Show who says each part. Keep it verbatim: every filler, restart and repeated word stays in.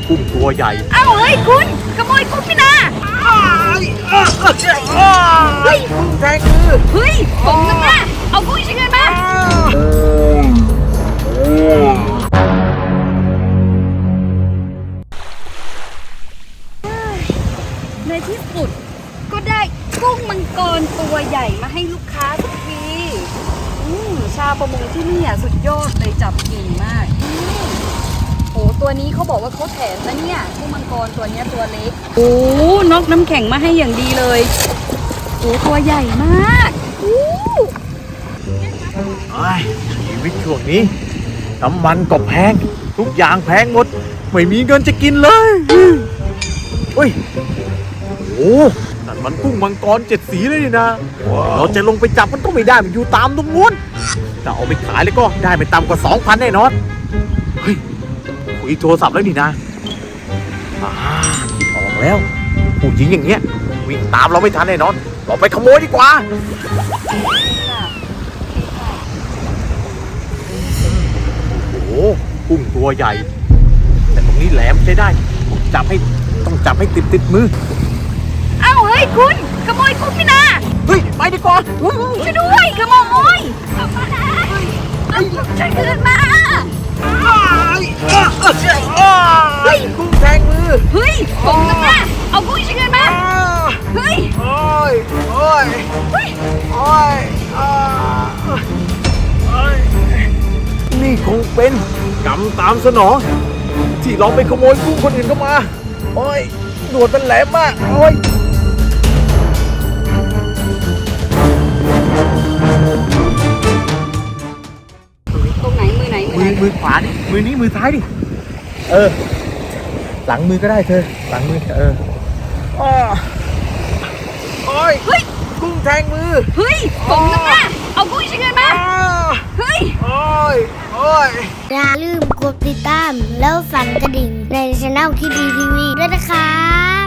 Speaker 1: กุ้งตัวใหญ่
Speaker 2: เอ้าเฮ้ยคุณขโมยกุ้งพี่นาเฮ้ย
Speaker 1: กุ้งแทงมือ
Speaker 2: เฮ้ยผมนึกว่าเอากุ้งชิ้นเงินมาในที่สุดก็ได้กุ้งมังกรตัวใหญ่มาให้ลูกค้าสักทีชาวประมงที่นี่อ่ะสุดยอดเลยจับเก่งมากโอ้ตัวนี้เขาบอกว่าเขาแถมนะเนี่ยกุ้งมังกรตัวนี้ตัวเล็กโอ้นกน้ำแข็งมาให้อย่างดีเลยโอ้ตัวใหญ่มากอู้
Speaker 1: ชีวิตช่วงนี้น้ำมันก็แพงทุกอย่างแพงหมดไม่มีเงินจะกินเลยเฮ้ยโอ้นั่นมันกุ้งมังกรเจ็ดสีเลยนี่นะเราจะลงไปจับมันก็ไม่ได้มันอยู่ตามตรงนู้นแต่เอาไปขายเลยก็ได้ไม่ต่ำกว่าสองพันแน่นอนเฮ้ยคุยโทรศัพท์แล้วนี่นะอ่าออกแล้วผู้หญิงอย่างเงี้ยวิ่งตามเราไม่ทันแน่นอนเราไปขโมยดีกว่าโอ้โหกุ้งตัวใหญ่แต่ตรงนี้แหลมใช้ได้ต้องจับให้ต้องจับให้ติดติดมือ
Speaker 2: เอ้าเฮ้ยคุณขโมยกุ้งพี่นา
Speaker 1: เฮ้ยไปดีกว่า
Speaker 2: ช่วยด้วยขโมยเอามานะเอาฉันคืนมา
Speaker 1: เฮ้ยกุ้งแทงมือ
Speaker 2: เฮ้ยผมนึกว่าเอากุ้งชิ้นเงินมาเฮ้ย
Speaker 1: โอ้ยโอ้ย
Speaker 2: เฮ้ย
Speaker 1: โอ้ยนี่คงเป็นกรรมตามสนองที่เราไปขโมยกุ้งคนอื่นเข้ามาโอ้ยหนวดมันแหลมมากโอ้ย
Speaker 2: ตรงไหนมือไหนมือไหน
Speaker 1: มือขวาดิมือนี้มือซ้ายดิเออหลังมือก็ได้เธอหลังมือเอออ้อโอ้ย
Speaker 2: เฮ้ย
Speaker 1: กุ้งแทงมือ
Speaker 2: เฮ้ยผมนึกว่าเอากุ้งชิ้นเงินมาเฮ้ย
Speaker 1: โอ้ยโอ้ย
Speaker 3: อย่าลืมกดติดตามแล้วสั่นกระดิ่งในช่องคิดดีทีวีด้วยนะครับ